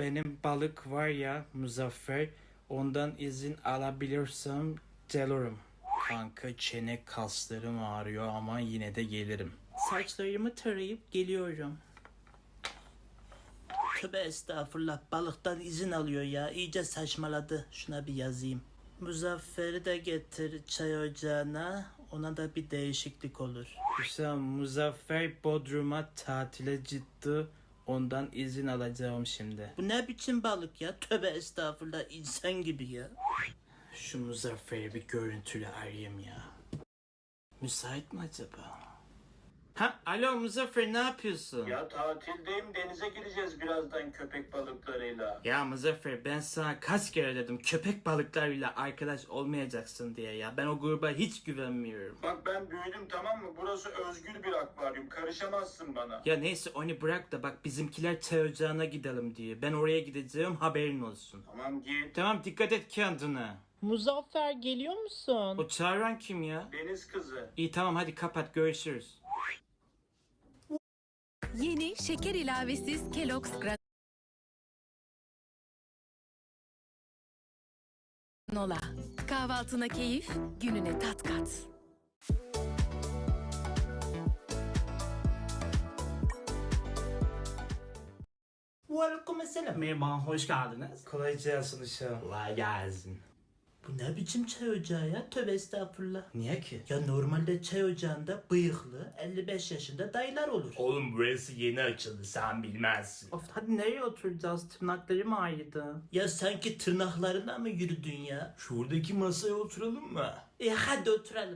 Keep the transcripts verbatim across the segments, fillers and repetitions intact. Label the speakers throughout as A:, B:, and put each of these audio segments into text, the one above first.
A: benim balık var ya Muzaffer, ondan izin alabilirsem gelirim. Kanka çene kaslarım ağrıyor ama yine de gelirim. Saçlarımı tarayıp geliyorum.
B: Tövbe estağfurullah, balıktan izin alıyor ya, iyice saçmaladı. Şuna bir yazayım. Muzaffer'i de getir çay ocağına, ona da bir değişiklik olur.
A: Hüsam, Muzaffer Bodrum'a tatile gitti. Ondan izin alacağım şimdi.
B: Bu ne biçim balık ya, tövbe estağfurullah, insan gibi ya.
A: Şu Muzaffer'i bir görüntülü arayayım ya. Müsait mi acaba? Ha, alo Muzaffer, ne yapıyorsun?
C: Ya tatildeyim, denize gireceğiz birazdan köpek balıklarıyla.
A: Ya Muzaffer, ben sana kaç kere dedim köpek balıklarıyla arkadaş olmayacaksın diye ya. Ben o gruba hiç güvenmiyorum.
C: Bak ben büyüdüm, tamam mı? Burası özgür bir akvaryum, karışamazsın bana.
A: Ya neyse onu bırak da bak bizimkiler çay ocağına gidelim diye. Ben oraya gideceğim, haberin olsun.
C: Tamam git.
A: Tamam, dikkat et kendine.
B: Muzaffer geliyor musun?
A: O çağıran kim ya?
C: Deniz kızı.
A: İyi tamam, hadi kapat, görüşürüz.
D: Yeni şeker ilavesiz Kellogg's granola. Kahvaltına keyif, gününe tat kat.
B: Aleyküm selam.
A: Merhaba, hoş geldiniz. Kolay gelsin Hüsam. Kolay gelsin.
B: Bu ne biçim çay ocağı ya, tövbe estağfurullah.
A: Niye ki?
B: Ya normalde çay ocağında bıyıklı elli beş yaşında dayılar olur.
A: Oğlum burası yeni açıldı, sen bilmezsin. Of, hadi nereye oturacağız? Tırnaklarım ağrıdı.
B: Ya sanki tırnaklarına mı yürüdün ya?
A: Şuradaki masaya oturalım mı?
B: E hadi oturalım.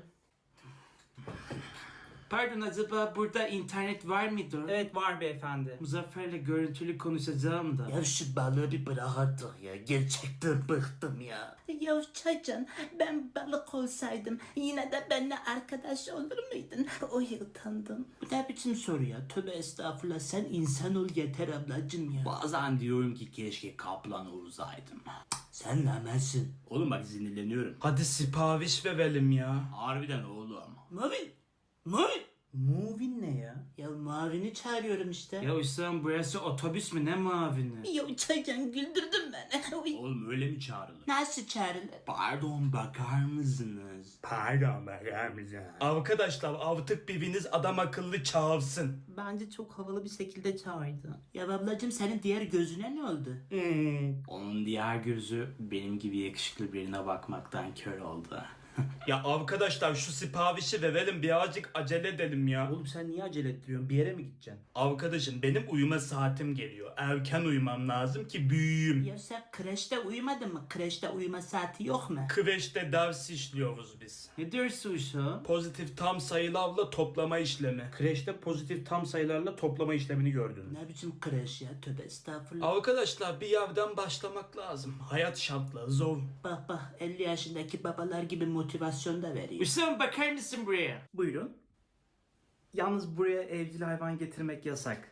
A: Pardon, acaba burada internet var mıdır? Evet var beyefendi. Muzaffer'le görüntülü konuşacağım da.
B: Ya şu balığı bir bırak artık ya. Gerçekten bıktım ya. Ya Çaycan, ben balık olsaydım yine de benimle arkadaş olur muydun? Oy utandım. Bu ne biçim soru ya? Tövbe estağfurullah, sen insan ol yeter ablacım ya.
E: Bazen diyorum ki keşke kaplan olsaydım.
B: Sen namersin.
E: Oğlum bak sinirleniyorum.
A: Hadi sipariş verelim ya.
E: Harbiden oğlum.
B: Mavin! Mavin!
A: Muvin ne ya?
B: Ya Mavin'i çağırıyorum işte.
A: Ya Hüsam, burası otobüs mü, ne mavini?
B: Ya Çaycan, güldürdün beni. Oy.
E: Oğlum öyle mi çağrılır?
B: Nasıl çağrılır?
E: Pardon bakar mısınız?
A: Pardon bakar mısın? Arkadaşlar artık biriniz adam akıllı çağırsın.
B: Bence çok havalı bir şekilde çağırdı. Ya ablacım, senin diğer gözüne ne oldu?
E: Onun diğer gözü benim gibi yakışıklı birine bakmaktan kör oldu.
A: Ya arkadaşlar şu siparişi verelim, birazcık acele edelim ya.
E: Oğlum sen niye acele ettiriyorsun? Bir yere mi gideceksin?
A: Arkadaşım benim uyuma saatim geliyor. Erken uyumam lazım ki büyüyeyim.
B: Ya sen kreşte uyumadın mı? Kreşte uyuma saati yok mu?
A: Kreşte ders işliyoruz biz.
E: Ne diyorsun Hüsam?
A: Pozitif tam sayılarla toplama işlemi.
E: Kreşte pozitif tam sayılarla toplama işlemini gördün.
B: Ne biçim kreş ya? Tövbe estağfurullah.
A: Arkadaşlar bir yerden başlamak lazım. Hayat şartları zor.
B: Bak bak, elli yaşındaki babalar gibi motivasyon da veriyor.
A: Hüsam, bakar mısın buraya?
E: Buyurun. Yalnız buraya evcil hayvan getirmek yasak.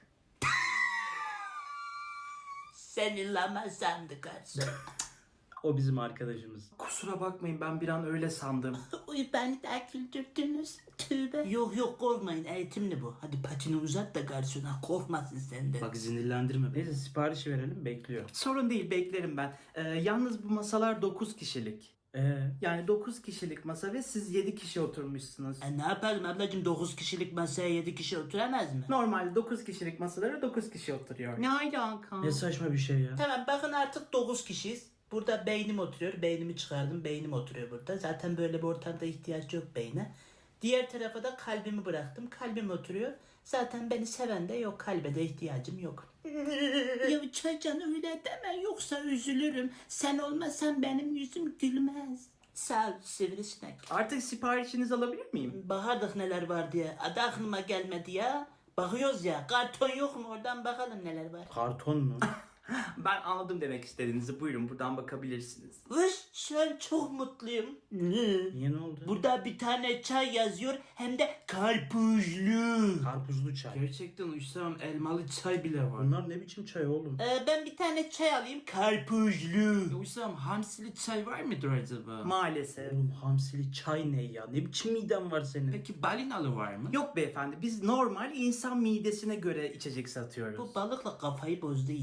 B: Seni lama sandı garson.
E: O bizim arkadaşımız. Kusura bakmayın, ben bir an öyle sandım.
B: Uy, beni de güldürdünüz. Tövbe. Yok yok, korkmayın, eğitimli bu. Hadi patini uzat da garsona korkmasın senden.
E: Bak sinirlendirme beni. Neyse siparişi verelim, bekliyor. Sorun değil, beklerim ben. Ee, yalnız bu masalar dokuz kişilik. Ee, yani dokuz kişilik masa ve siz yedi kişi oturmuşsunuz.
B: E ne yapalım ablacım, dokuz kişilik masaya yedi kişi oturamaz mı?
E: Normalde dokuz kişilik masalara dokuz kişi oturuyor.
B: Ne alaka?
E: Ne saçma bir şey ya.
B: Tamam, bakın artık dokuz kişiyiz. Burada beynim oturuyor. Beynimi çıkardım. Beynim oturuyor burada. Zaten böyle bir ortamda ihtiyaç yok beyne. Diğer tarafa da kalbimi bıraktım. Kalbim oturuyor. Zaten beni seven de yok. Kalbe de ihtiyacım yok. Ya Çaycan, öyle deme, yoksa üzülürüm. Sen olmasan benim yüzüm gülmez. Sağ ol sivrisinek.
E: Artık siparişinizi alabilir miyim?
B: Bakardık neler var diye. Adı aklıma gelmedi ya. Bakıyoruz ya. Karton yok mu? Oradan bakalım neler var.
E: Karton mu? Ben anladım demek istediğinizi. Buyurun buradan bakabilirsiniz.
B: Vış, şu an çok mutluyum.
E: Niye, ne oldu?
B: Burada bir tane çay yazıyor, hem de karpuzlu.
E: Karpuzlu çay.
A: Gerçekten Hüsam, elmalı çay bile var.
E: Bunlar ne biçim çay oğlum?
B: Ee, ben bir tane çay alayım, karpuzlu.
A: Hüsam, hamsili çay var mıdır acaba?
E: Maalesef. Oğlum hamsili çay ne ya? Ne biçim miden var senin?
A: Peki balinalı var mı?
E: Yok beyefendi, biz normal insan midesine göre içecek satıyoruz.
B: Bu balıkla kafayı bozdu iyice.
A: O zaman ben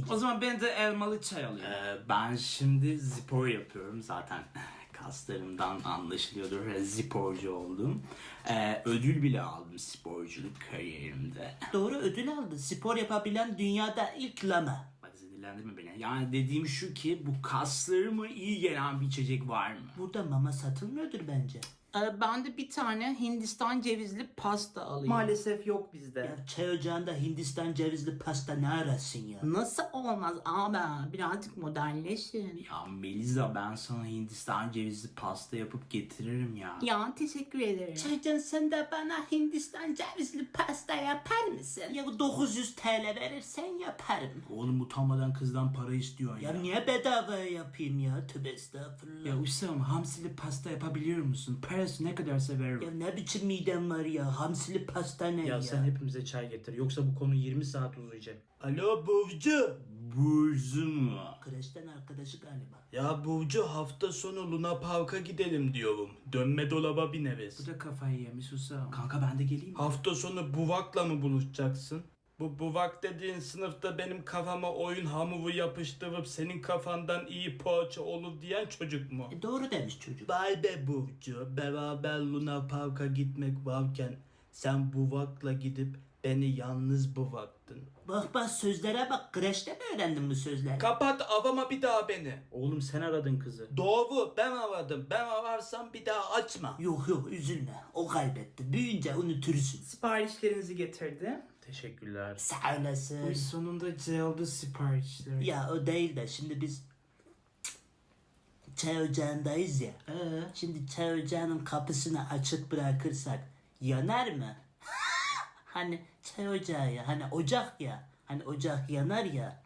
E: Ben de elmalı çay alıyorum. Ee, ben şimdi spor yapıyorum zaten. Kaslarımdan anlaşılıyordur. Sporcu oldum. Ee, ödül bile aldım sporculuk kariyerimde.
B: Doğru, ödül aldı. Spor yapabilen dünyada ilk lama.
E: Bak sinirlendirme beni. Yani dediğim şu ki bu kaslarıma iyi gelen bir içecek var mı?
B: Burada mama satılmıyordur bence.
A: Ee, ben de bir tane Hindistan cevizli pasta alayım.
E: Maalesef yok bizde.
B: Ya çay ocağında Hindistan cevizli pasta ne arasın ya?
A: Nasıl olmaz abi? Birazcık modernleşin.
E: Ya Melisa ben sana Hindistan cevizli pasta yapıp getiririm ya.
A: Ya teşekkür ederim.
B: Çaycan sen de bana Hindistan cevizli pasta yapar mısın? Ya dokuz yüz T L verirsen yaparım.
E: Oğlum utanmadan kızdan para istiyorsun
B: Ya
E: ya.
B: niye bedava yapayım ya? Tövbe estağfurullah.
E: Ya Hüsam hamsili pasta yapabiliyor musun? Parası ne kadar severim.
B: Ya ne biçim midem var ya? Hamsili pasta ne ya?
E: Ya sen hepimize çay getir. Yoksa bu konu yirmi saat uzayacak.
F: Alo Burcu.
E: Burcu mu?
B: Kreşten arkadaşı galiba.
F: Ya Burcu hafta sonu Luna Park'a gidelim diyorum. Dönme dolaba bineriz.
E: Bu da kafayı yemiş Hüsam. Kanka ben de geleyim mi?
F: Hafta sonu Buvak'la mı buluşacaksın? Bu Buvak dediğin sınıfta benim kafama oyun hamuru yapıştırıp senin kafandan iyi poğaça olur diyen çocuk mu?
B: E doğru demiş çocuk.
F: Vay be Burcu, beraber Luna Park'a gitmek varken sen Buvak'la gidip beni yalnız bıraktın.
B: Bak bak sözlere bak. Kreşte mi öğrendin bu sözleri?
F: Kapat avama bir daha beni.
E: Oğlum sen aradın kızı.
F: Doğru, ben aradım. Ben ararsam bir daha açma.
B: Yok yok üzülme. O kaybetti. Büyüyünce unutursun.
A: Siparişlerinizi getirdi.
E: Teşekkürler.
B: Sağ olasın.
E: Uy sonunda geldi siparişler.
B: Ya o değil de şimdi biz çay ocağındayız ya.
E: Ee,
B: Şimdi çay ocağının kapısını açık bırakırsak yanar mı? Hani çay ocağı ya. Hani ocak ya. Hani ocak yanar ya.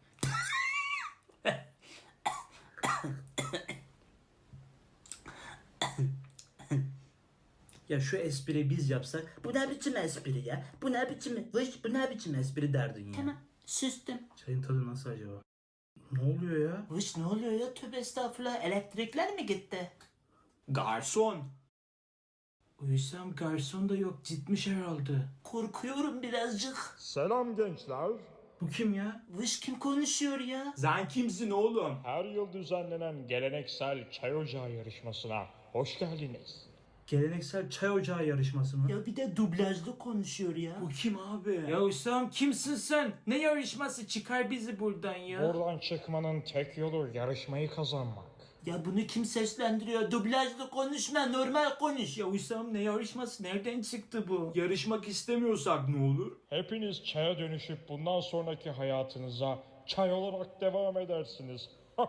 E: ya şu espri biz yapsak
B: Bu ne biçim espri ya? Bu ne biçim?
E: vış bu ne biçim espri derdin ya.
B: Tamam sustum.
E: Çayın tadı nasıl acaba? Ne oluyor ya?
B: Vış ne oluyor ya? Tövbe estağfurullah. Elektrikler mi gitti?
E: Garson. Uysam garson da yok gitmiş herhalde.
B: Korkuyorum birazcık.
G: Selam gençler.
E: Bu kim ya?
B: Vış kim konuşuyor ya?
E: Sen kimsin oğlum?
G: Her yıl düzenlenen geleneksel çay ocağı yarışmasına hoş geldiniz.
E: Geleneksel çay ocağı yarışması mı?
B: Ya bir de dublajlı konuşuyor ya.
E: Bu kim abi? Ya Hüsam kimsin sen? Ne yarışması çıkar bizi buradan ya?
G: Buradan çıkmanın tek yolu yarışmayı kazanmak.
B: Ya bunu kim seslendiriyor? Dublajlı konuşma, normal konuş.
E: Ya Hüsam ne yarışması? Nereden çıktı bu? Yarışmak istemiyorsak ne olur?
G: Hepiniz çaya dönüşüp bundan sonraki hayatınıza çay olarak devam edersiniz.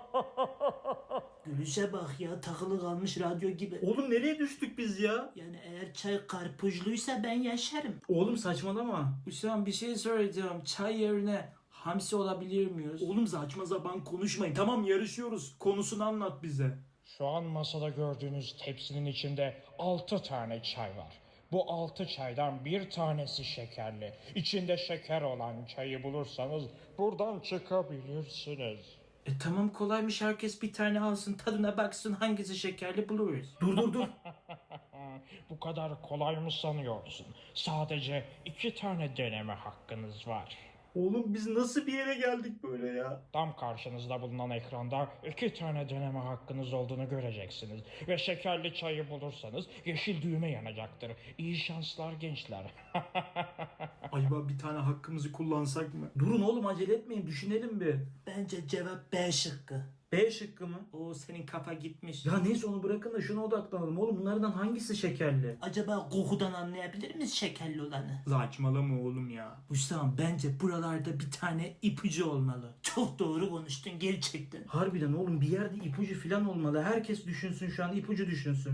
B: Gülüşe bak ya, takılı kalmış radyo gibi.
E: Oğlum nereye düştük biz ya?
B: Yani eğer çay karpuzluysa ben yaşarım.
E: Oğlum saçmalama. Hüsam bir şey söyleyeceğim. Çay yerine hamsi olabilir miyiz? Oğlum saçma sapan konuşmayın. Tamam yarışıyoruz. Konusunu anlat bize.
G: Şu an masada gördüğünüz tepsinin içinde altı tane çay var. Bu altı çaydan bir tanesi şekerli. İçinde şeker olan çayı bulursanız buradan çıkabilirsiniz.
E: E tamam kolaymış, herkes bir tane alsın tadına baksın hangisi şekerli buluruz. Dur dur dur.
G: Bu kadar kolay mı sanıyorsun? Sadece iki tane deneme hakkınız var.
E: Oğlum biz nasıl bir yere geldik böyle ya?
G: Tam karşınızda bulunan ekranda iki tane deneme hakkınız olduğunu göreceksiniz. Ve şekerli çayı bulursanız yeşil düğme yanacaktır. İyi şanslar gençler.
E: Acaba bir tane hakkımızı kullansak mı? Durun oğlum acele etmeyin, düşünelim bir.
B: Bence cevap B şıkkı.
E: B şıkkı mı?
A: O senin kafa gitmiş.
E: Ya neyse onu bırakın da şuna odaklanalım. Oğlum bunlardan hangisi şekerli?
B: Acaba kokudan anlayabilir miyiz şekerli olanı?
E: Saçmalama oğlum ya.
B: Hüsam bence buralarda bir tane ipucu olmalı. Çok doğru konuştun gerçekten.
E: Harbiden oğlum bir yerde ipucu falan olmalı. Herkes düşünsün şu an, ipucu düşünsün.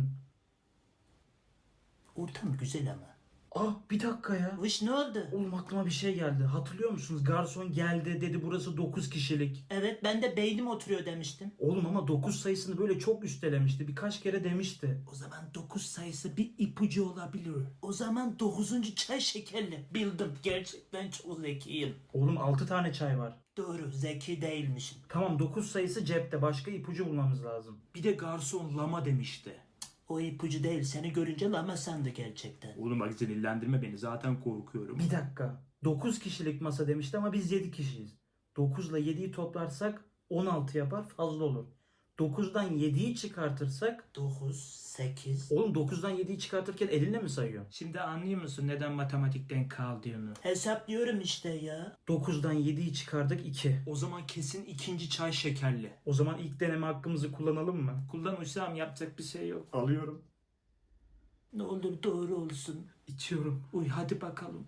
B: Ortam güzel ama.
E: Ah bir dakika ya.
B: Vış ne oldu?
E: Oğlum aklıma bir şey geldi. Hatırlıyor musunuz? Garson geldi dedi burası dokuz kişilik.
B: Evet ben de beynim oturuyor demiştim.
E: Oğlum ama dokuz sayısını böyle çok üstelemişti. Birkaç kere demişti.
B: O zaman dokuz sayısı bir ipucu olabilir. O zaman dokuzuncu çay şekerli. Bildim. Gerçekten çok zekiyim.
E: Oğlum altı tane çay var.
B: Doğru. Zeki değilmişim.
E: Tamam dokuz sayısı cepte. Başka ipucu bulmamız lazım. Bir de garson lama demişti.
B: O ipucu değil. Seni görünce lama sandı gerçekten.
E: Oğlum bak sinirlendirme beni. Zaten korkuyorum. Bir dakika. dokuz kişilik masa demişti ama biz yedi kişiyiz.
B: dokuz ile yediyi toplarsak on altı yapar, fazla olur. dokuzdan yediyi çıkartırsak dokuz, sekiz. Oğlum dokuzdan yediyi çıkartırken elinle mi sayıyorsun?
A: Şimdi anlıyor musun neden matematikten kaldığını?
B: Hesaplıyorum işte ya. dokuzdan yediyi çıkardık iki.
A: O zaman kesin ikinci çay şekerli.
B: O zaman ilk deneme hakkımızı kullanalım mı?
A: Kullan Hüsam, yapacak bir şey yok.
B: Alıyorum.
A: Ne olur doğru olsun.
B: İçiyorum.
A: Uy hadi bakalım.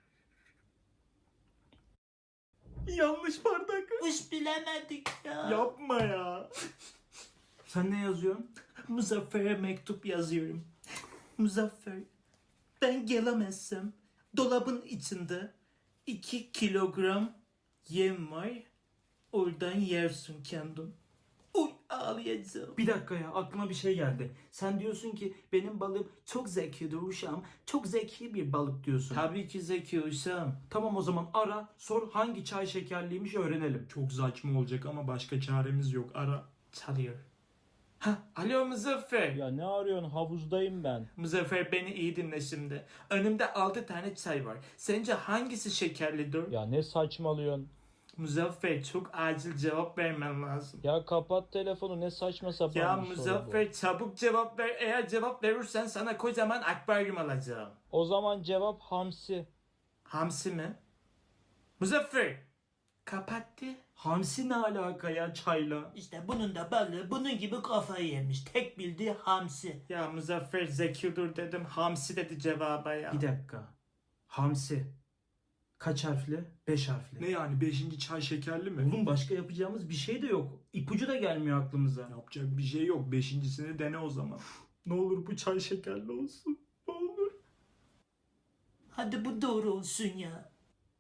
B: Yanlış bardak. Hiç bilemedik ya.
A: Yapma ya.
B: Sen ne yazıyorsun?
A: Muzaffer'e mektup yazıyorum. Muzaffer, ben gelemezsem dolabın içinde iki kilogram yem var. Oradan yersin kendin. Uy ağlayacağım.
B: Bir dakika ya, aklıma bir şey geldi. Sen diyorsun ki benim balığım çok zekidir uşağım. Çok zeki bir balık diyorsun.
A: Tabii ki Zeki Hüsam.
B: Tamam, o zaman ara, sor hangi çay şekerliymiş öğrenelim.
F: Çok saçma olacak ama başka çaremiz yok. Ara.
A: Çalıyor. Ha, alo Muzaffer.
G: Ya ne arıyorsun? Havuzdayım ben.
A: Muzaffer beni iyi dinle şimdi. Önümde altı tane çay var. Sence hangisi şekerlidir?
G: Ya ne saçmalıyorsun?
A: Muzaffer çok acil cevap vermen lazım.
G: Ya kapat telefonu, ne saçma sapan
A: Ya
G: bir soru bu.
A: Muzaffer çabuk cevap ver. Eğer cevap verirsen sana kocaman akvaryum alacağım.
G: O zaman cevap hamsi.
A: Hamsi mi? Muzaffer. Kapattı.
B: Hamsi ne alaka ya çayla?
H: İşte bunun da balığı bunun gibi kafayı yemiş. Tek bildiği hamsi.
A: Ya Muzaffer zekidir dedim. Hamsi dedi cevaba ya.
B: Bir dakika. Hamsi. Kaç harfli? Beş harfli.
F: Ne yani beşinci çay şekerli mi?
B: Oğlum başka yapacağımız bir şey de yok. İpucu da gelmiyor aklımıza.
F: Yapacak bir şey yok. Beşincisini dene o zaman. Ne olur bu çay şekerli olsun. Ne olur.
H: Hadi bu doğru olsun ya.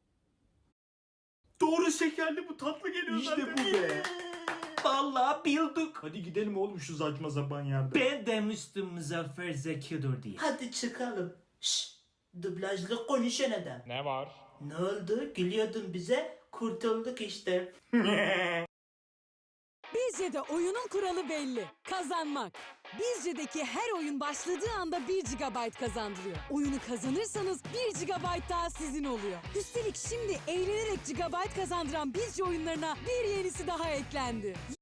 F: Doğru şekerli, bu tatlı geliyor
A: İşte
F: zaten.
A: bu be. Vallahi bildik.
F: Hadi gidelim oğlum şu saçma sapan yerde.
A: Ben demiştim Muzaffer zekidir diye.
H: Hadi çıkalım. Şşş. Dublajlı konuşan adam.
G: Ne var?
H: Ne oldu? Gülüyordun bize. Kurtulduk işte.
I: Bizce'de oyunun kuralı belli. Kazanmak. Bizce'deki her oyun başladığı anda bir gigabayt kazandırıyor. Oyunu kazanırsanız bir gigabayt daha sizin oluyor. Üstelik şimdi eğlenerek gigabayt kazandıran Bizce oyunlarına bir yenisi daha eklendi.